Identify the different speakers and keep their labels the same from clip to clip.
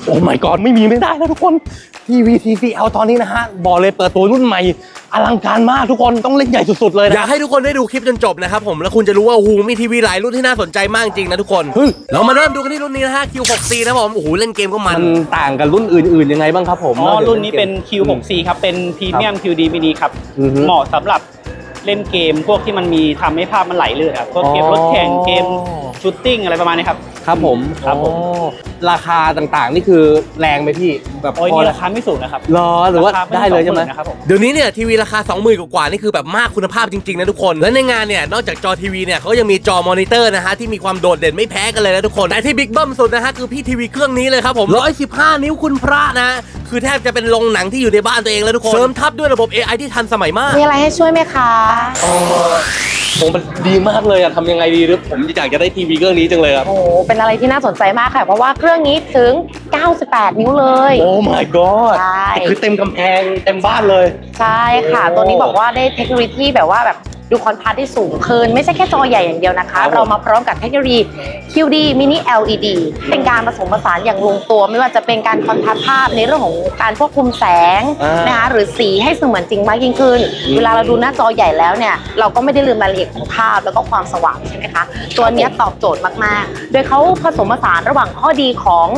Speaker 1: โอ้ my god ไม่มีไม่ได้แล้วทุกคนทีวี TCL ตอนนี้นะฮะบอกเลยเปิดตัวรุ่นใหม่อลังการมากทุกคนต้องเล่นใหญ่สุดๆเลยนะอยากให้ทุกคนได้ดูคลิปจนจบนะครับผมแล้วคุณจะรู้ว่าโอ้โหมีทีวีหลายรุ่นที่น่าสนใจมากจริงนะทุกคนเรามาเริ่มดูกันที่รุ่นนี้นะฮะ Q6C นะผมโอ้โหเล่นเกมก็มันต่างกันรุ่นอื่นๆยังไงบ้างครับผม
Speaker 2: รุ่นนี้เป็น Q6C ครับเป็นพรีเมียม QD Mini ครับเหมาะสำหรับเล่นเกมพวกที่มันมีทำให้ภาพมันไหลลื่นครับพวกเกมรถแข่งเกมชูตติ้งอะไรประมาณนี้ครับ
Speaker 1: ครับผมราคาต่างๆนี่คือแรงไหมพี่แบบ
Speaker 2: โอ้ยนี่ราคาไม่สูงนะครับ
Speaker 1: รอหรือว่าได้เลยใช่ไหม
Speaker 2: เดี๋ยวนี้
Speaker 1: เนี่ยทีวีราคา 20,000 กว่านี่คือแบบมากคุณภาพจริงๆนะทุกคนและในงานเนี่ยนอกจากจอทีวีเนี่ยเขายังมีจอมอนิเตอร์นะฮะที่มีความโดดเด่นไม่แพ้กันเลยนะทุกคนแต่ที่บิ๊กเบิ้มสุดนะฮะคือพี่ทีวีเครื่องนี้เลยครับผม115 นิ้วคุณพระนะคือแทบจะเป็นโรงหนังที่อยู่ในบ้านตัวเองแล้วทุกคนเสริมทับด้วยระบบ AI ที่ทันสมัยมาก
Speaker 3: มีอะไรให้ช่วยไหมคะ
Speaker 1: ผมมันดีมากเลยอะทำยังไงดีหรือผมอยากจะได้ทีวีเครื่องนี้จังเลยครับ
Speaker 3: โอ้เป็นอะไรที่น่าสนใจมากค่ะเพราะว่าเครื่องนี้ถึง98 นิ้วเลย
Speaker 1: โอ้ my god
Speaker 3: ใช่
Speaker 1: คือเต็มกำแพงเต็มบ้านเลย
Speaker 3: ใช่ค่ะตัวนี้บอกว่าได้เทคโนโลยีแบบว่าแบบดูคอนทราสต์ที่สูงขึ้นไม่ใช่แค่จอใหญ่อย่างเดียวนะคะเรามาพร้อมกับเทคโนโลยี QD Mini LED เป็นการผสมผสานอย่างลงตัวไม่ว่าจะเป็นการคอนทราสต์ภาพในเรื่องของการควบคุมแสงนะคะหรือสีให้เสมือนจริงมากยิ่งขึ้นเวลาเราดูหน้าจอใหญ่แล้วเนี่ยเราก็ไม่ได้ลืมรายละเอียดของภาพแล้วก็ความสว่างใช่ไหมคะตัวนี้ตอบโจทย์มากๆโดยเขาผสมผสานระหว่างข้อดีของ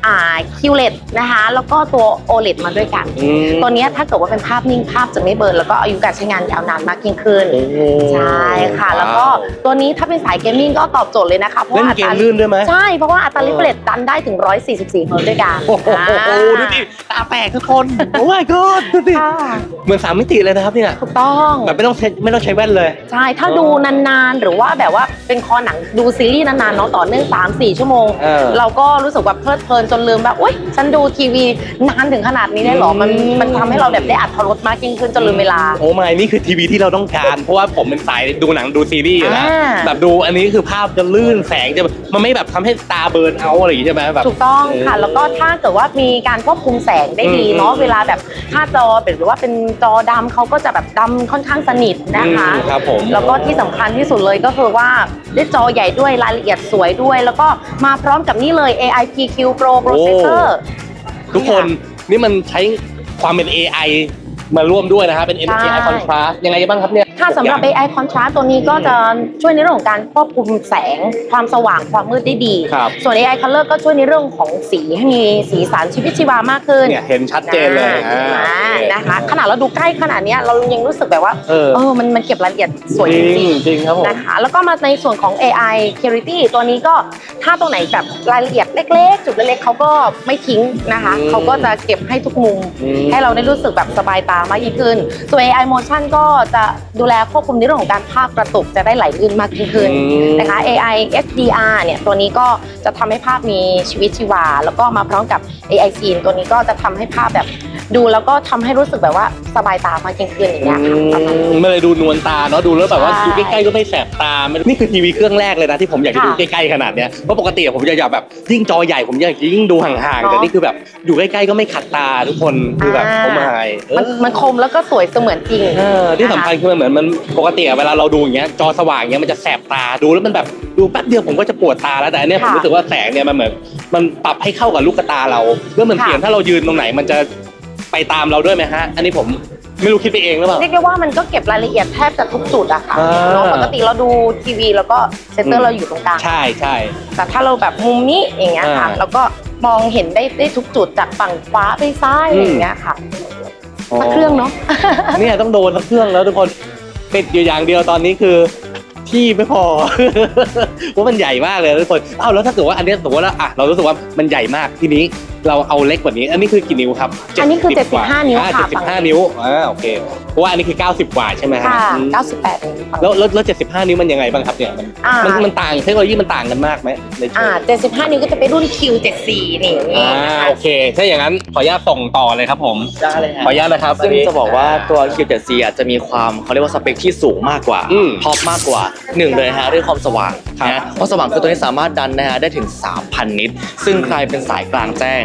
Speaker 3: QLED นะคะแล้วก็ตัว OLED มาด้วยกันตัวนี้ถ้าเกิดว่าเป็นภาพนิ่งภาพจะไม่เบิร์นแล้วก็อายุการใช้งานยาวนานมากยิ่งขึ้นใช่ค่ะแล้วก็ตัวนี้ถ้าเป็นสายเกมมิ่งก็ตอบโจทย์เลยนะคะเพราะว่า
Speaker 1: เล่นเกมลื่นด้วยไหม
Speaker 3: ใช่เพราะว่าอัตรา refresh ดันได้ถึง144 เฮิร์ตซ์ด้วยกัน
Speaker 1: โอ้โหดูดิตาแตกทุกคนโอ้ my god ดูดิเหมือน3 มิติเลยนะครับเนี่ย
Speaker 3: ถูกต้อง
Speaker 1: แบบไม่ต้องใช้แว่นเลย
Speaker 3: ใช่ถ้าดูนานๆหรือว่าแบบว่าเป็นคอหนังดูซีรีส์นานๆเนาะต่อเนื่อง 3-4 ชั่วโมงเราก็รู้สึกแบบเพลิดเพลินจนลืมแบบอุ๊ยฉันดูทีวีนานถึงขนาดนี้ได้หรอมันทำให้เราแบบได้อรรถรสมากยิ่งขึ้นจนลืมเวลา
Speaker 1: โอ้ไม่นี่คือทีวีที่เราต้องการเพราะว่าผมเป็นสายดูหนังดูซีรีส์นะแบบดูอันนี้คือภาพจะลื่นแสงจะมันไม่แบบทำให้ตาเบิร์นเอาอะไรอย่างงี้ใช่ไหมแบบ
Speaker 3: ถูกต้องค่ะแล้วก็ถ้าเกิดว่ามีการควบคุมแสงได้ดีเนาะเวลาแบบถ้าจอเป็นหรือว่าเป็นจอดำเขาก็จะแบบดำค่อนข้างสนิทนะคะ
Speaker 1: ครับผม
Speaker 3: แล้วก็ที่สำคัญที่สุดเลยก็คือว่าได้จอใหญ่ด้วยรายละเอียดสวยด้วยแล้วก็มาพร้อมกับนี่เลย AI PQ Pro Processor
Speaker 1: ทุกคนนี่มันใช้ความเป็น AI มาร่วมด้วยนะครับเป็น AI Contrast ยังไงบ้างครับเนี่ย
Speaker 3: ถ้าสำหรับ AI Contrast ตัวนี้ก็จะช่วยในเรื่องของการควบคุมแสงความสว่างความมืดได้ดีส่วน AI Color ก็ช่วยในเรื่องของสีให้มีสีสันชีวิตชีวามากขึ้น
Speaker 1: เนี่ยเห็นชัดเจนเลย
Speaker 3: นะคะขนาดเราดูใกล้ขนาดนี้เรายังรู้สึกแบบว่ามันเก็บรายละเอียดสวยจ
Speaker 1: ริงครับผม
Speaker 3: นะคะแล้วก็มาในส่วนของ AI Clarity ตัวนี้ก็ถ้าตัวไหนแบบรายละเอียดเล็กๆจุดเล็กๆเขาก็ไม่ทิ้งนะคะเขาก็จะเก็บให้ทุกมุมให้เราได้รู้สึกแบบสบายตามากยิ่งขึ้นส่วน AI Motion ก็จะดูแลควบคุมในเรื่องของการภาพกระตุกจะได้ไหลลื่นมากยิ่งขึ้นนะคะ AI HDR เนี่ยตัวนี้ก็จะทำให้ภาพมีชีวิตชีวาแล้วก็มาพร้อมกับ AI Scene ตัวนี้ก็จะทำให้ภาพแบบดูแล้วก็ทำให้รู้สึกแบบว่าสบายตามากยิ่งขึ้นอย่างเงี้ย
Speaker 1: ไม่เลยดูนวลตาเนาะดูแล้วแบบว่าดูใกล้ๆก็ไม่แสบตานี่คือทีวีเครื่องแรกเลยนะที่ผมอยากจะดูใกล้ๆขนาดเนี้ยเพราะปกติผมจะอยากแบบยิ่งจอใหญ่ผมอยากยิ่งดูห่างๆแต่นี่คือแบบอยู่ใกล้ๆก็ไม่ขัดตาทุกคนคือแบบเขาหมาย
Speaker 3: มันคมแล้วก็สวยเสมือนจริง
Speaker 1: ที่สำคัญคือมันเหมือนมันปกติเวลาเราดูอย่างเงี้ยจอสว่างเงี้ยมันจะแสบตาดูแล้วมันแบบดูแป๊บเดียวผมก็จะปวดตาแล้วแต่อันเนี้ยผมรู้สึกว่าแสงเนี่ยมันเหมือนมันปรับให้เข้ากับลูกตาเราเพื่อมันเปลี่ยนถ้าเรายืนตรงไหนมันจะไปตามเราด้วยไหมฮะอันนี้ผมไม่รู้คิดไปเองหรือเปล่า
Speaker 3: เรียกได้ว่ามันก็เก็บรายละเอียดแทบจะทุกจุดอะค่ะเนาะปกติเราดูทีวีแล้วก็เซนเตอร์เราอยู่ตรงกลาง
Speaker 1: ใช่
Speaker 3: แต่ถ้าเราแบบมุมนี้อย่างเงี้ยค่ะเราก็มองเห็นได้ทุกจุดจากฝั่งขวาไปซ้ายอย่างเงี้ยค่ะสักเครื่องเนาะ
Speaker 1: เนี่ยต้องโดนสักเครื่องแล้วทุกคนติดอยู่อย่างเดียวตอนนี้คือที่ไม่พอเพราะมันใหญ่มากเลยทุกคนแล้วถ้าเกิดว่าอันนี้สมมติว่าเรารู้สึกว่ามันใหญ่มากทีนี้เราเอาเล็กกว่านี้อันนี้คือกี่นิ้วครับ
Speaker 3: อันนี้คือ75 นิ้วค่ะ
Speaker 1: 75 นิ้วโอเคเพราะว่าอันนี้คือ90 กว่าใช่ไหม
Speaker 3: ค่ะ98 นิ้ว
Speaker 1: แล้ว75 นิ้วมันยังไงบ้างครับเนี่ยมันต่างเทคโนโลยีมันต่างกันมากไหมใน
Speaker 3: 75 นิ้วก็จะเป็นรุ่น Q74 นี่
Speaker 1: โอเคถ้าอย่างนั้นขออนุญาตส่งต่อเลยครับผม
Speaker 2: ได้เลย
Speaker 1: ขออนุญาตนะครับ
Speaker 4: ซึ่งจะบอกว่าตัว Q7C จะมีความเขาเรียกว่าสเปคที่สูงมากกว่าท็อปมากกว่า1เลยฮะเรื่องความสว่างนะความสว่างคือตัวนี้สามารถดันนะฮะได้ถึง 3,000 นิตซึ่งใครเป็นสายกลางแจ้ง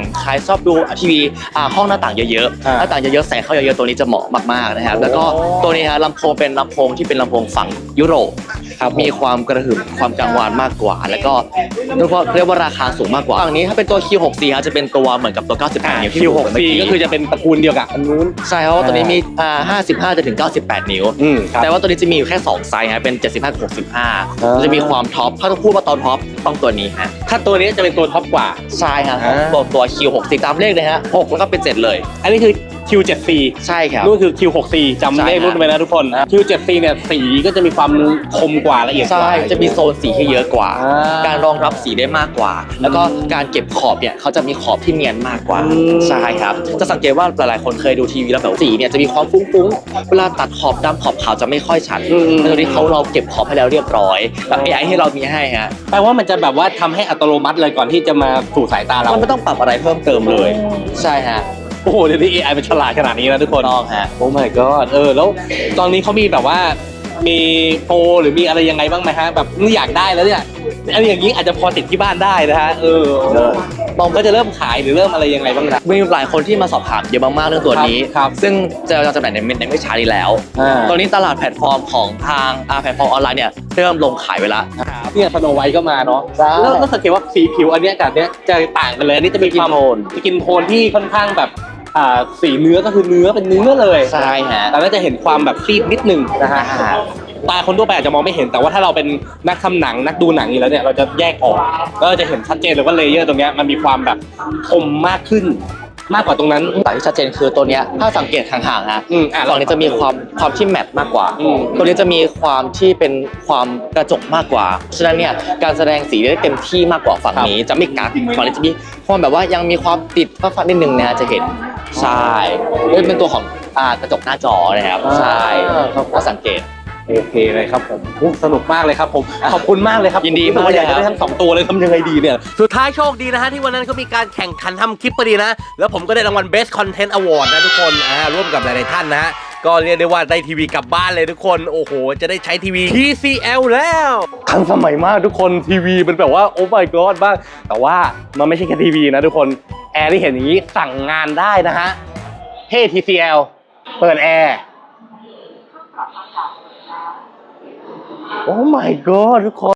Speaker 4: ใครชอบดูทีวีห้องหน้าต่างเยอะๆหน้าต่างเยอะๆแสงเข้าเยอะๆตัวนี้จะเหมาะมากๆนะครับแล้วก็ตัวนี้ฮะลำโพงเป็นลำโพงที่เป็นลำโพงฝั่งยุโรปมีความกระหึ่มความกังวานมากกว่าแล้วก็เรียกว่าราคาสูงมากกว่าฝั่งนี้ถ้าเป็นตัว Q6C ฮะจะเป็นตัวเหมือนกับตัว98นิ้วที่
Speaker 1: Q6C ก็คือจะเป็นตระกูลเดียวกับอันนู้น
Speaker 4: ใช่เพราะว่าตัวนี้มี55 จะถึง 98 นิ้วแต่ว่าตัวนี้จะมีอยู่แค่2ไซส์ฮะเป็น75กับ65จะมีความท็อปถ้าต้องพูดว่าตอนท็อปต้องตัวนี้ฮะ
Speaker 1: ถ้าตัวนี้จะเป็นตัวท็อปกว่า
Speaker 4: ใช่ครับตัว Q6C ตามเลขเลยฮะ6แล้วก็เป็น7เลย
Speaker 1: อันนี้คือ Q7C
Speaker 4: ใช่ครับ
Speaker 1: นู่นคือ Q6C จำเลขรุ่นไว้นะทุกคน Q7C เนี่ยสีก็จะมีความคมกว่าละเอียดกว่า
Speaker 4: ใช่จะมีโซนสีที่เยอะกว่าการรองรับสีได้มากกว่าแล้วก็การเก็บขอบเนี่ยเขาจะมีขอบที่เนียนมากกว่าใช่ครับจะสังเกตว่าหลายๆคนเคยดูทีวีแล้วแบบสีเนี่ยจะมีความฟุ้งๆเวลาตัดขอบดำขอบขาวจะไม่ค่อยชัดแต่ตัวนี้เราเก็บขอบให้แล้วเรียบร้อยแบบ AI ให้เรามีให้ฮะ
Speaker 1: แปลว่ามันจะแบบว่าทำให้อัตโนมัติเลยก่อนที่จะมาสู่สายตาเรา
Speaker 4: มันไม่ต้องปรับอะไรเพิ่มเติมเลยใช่ฮะ
Speaker 1: โอ้โหเดี๋ยวนี้ AI มันฉลาดขนาดนี้นะทุกคน
Speaker 4: ต้องฮะ
Speaker 1: โอ้ my god แล้วตอนนี้เขามีแบบว่ามีโปรหรือมีอะไรยังไงบ้างไหมฮะแบบอยากได้แล้วเนี่ยอะไรอย่างนี้อาจจะพอติดที่บ้านได้นะฮะบอมก็จะเริ่มขายหรือเริ่มอะไรยังไงบ้างนะ
Speaker 4: มีหลายคนที่มาสอบถามเยอะมากๆเรื่องตัวนี้ซึ่งจะจำหน่ายในไม่ช้านี้แล้วตอนนี้ตลาดแพลตฟอร์มของทางแพลตฟอร์มออนไลน์เนี่ยเริ่มลงขายไปแล้ว
Speaker 1: เนี่ยสโนไวท์ก็มาเนาะแล้วสังเกตว่าสีผิวอันนี้กับเนี้ยจะต่างกันเลยอันนี้จะมีความสกินโทนที่ค่อนข้างแบบสีเนื้อก็คือเนื้อเป็นเนื้อเลย
Speaker 4: ใช่ฮะ
Speaker 1: แต่ก็จะเห็นความแบบซีดนิดนึงนะฮะตาคนทั่วไปอาจจะมองไม่เห็นแต่ว่าถ้าเราเป็นนักทำหนังนักดูหนังอยู่แล้วเนี่ยเราจะแยกออกก็จะเห็นชัดเจนเลยว่าเลเยอร์ตรงเนี้ยมันมีความแบบคมมากขึ้นมากกว่าตรงนั้น
Speaker 4: แต่ที่ชัดเจนคือตัวเนี้ยถ้าสังเกตห่างๆฮะฝั่งนี้จะมีความที่แมทมากกว่าตัวนี้จะมีความที่เป็นความกระจกมากกว่าฉะนั้นเนี่ยการแสดงสีได้เต็มที่มากกว่าฝั่งนี้จะไม่กักฝั่งนี้จะมีความแบบว่ายังมีความติดฟ้านิดนึงนะจะเห็นใช่เป็นตัวของกระจกหน้าจอนะครับใช่ถ้าสังเกต
Speaker 1: โอเคเลยครับผมสนุกมากเลยครับผมขอบคุณมากเลยครับ
Speaker 4: ยินดีมาก
Speaker 1: อยากจะได้ทั้ง2ตัวเลยทำยังไงดีเนี่ยสุดท้ายโชคดีนะฮะที่วันนั้นเขามีการแข่งขันทำคลิปพอดีนะแล้วผมก็ได้รางวัล Best Content Award นะทุกคนร่วมกับหลายๆท่านนะฮะก็เรียกได้ว่าได้ทีวีกลับบ้านเลยทุกคนโอ้โหจะได้ใช้ทีวี TCL แล้วทันสมัยมากทุกคนทีวีเป็นแบบว่าโอ้ my god บ้างแต่ว่ามันไม่ใช่แค่ทีวีนะทุกคนแอร์ที่เห็นอย่างนี้สั่งงานได้นะฮะเฮ้ TCL เปิดแอร์โอ้ my god ทุกคน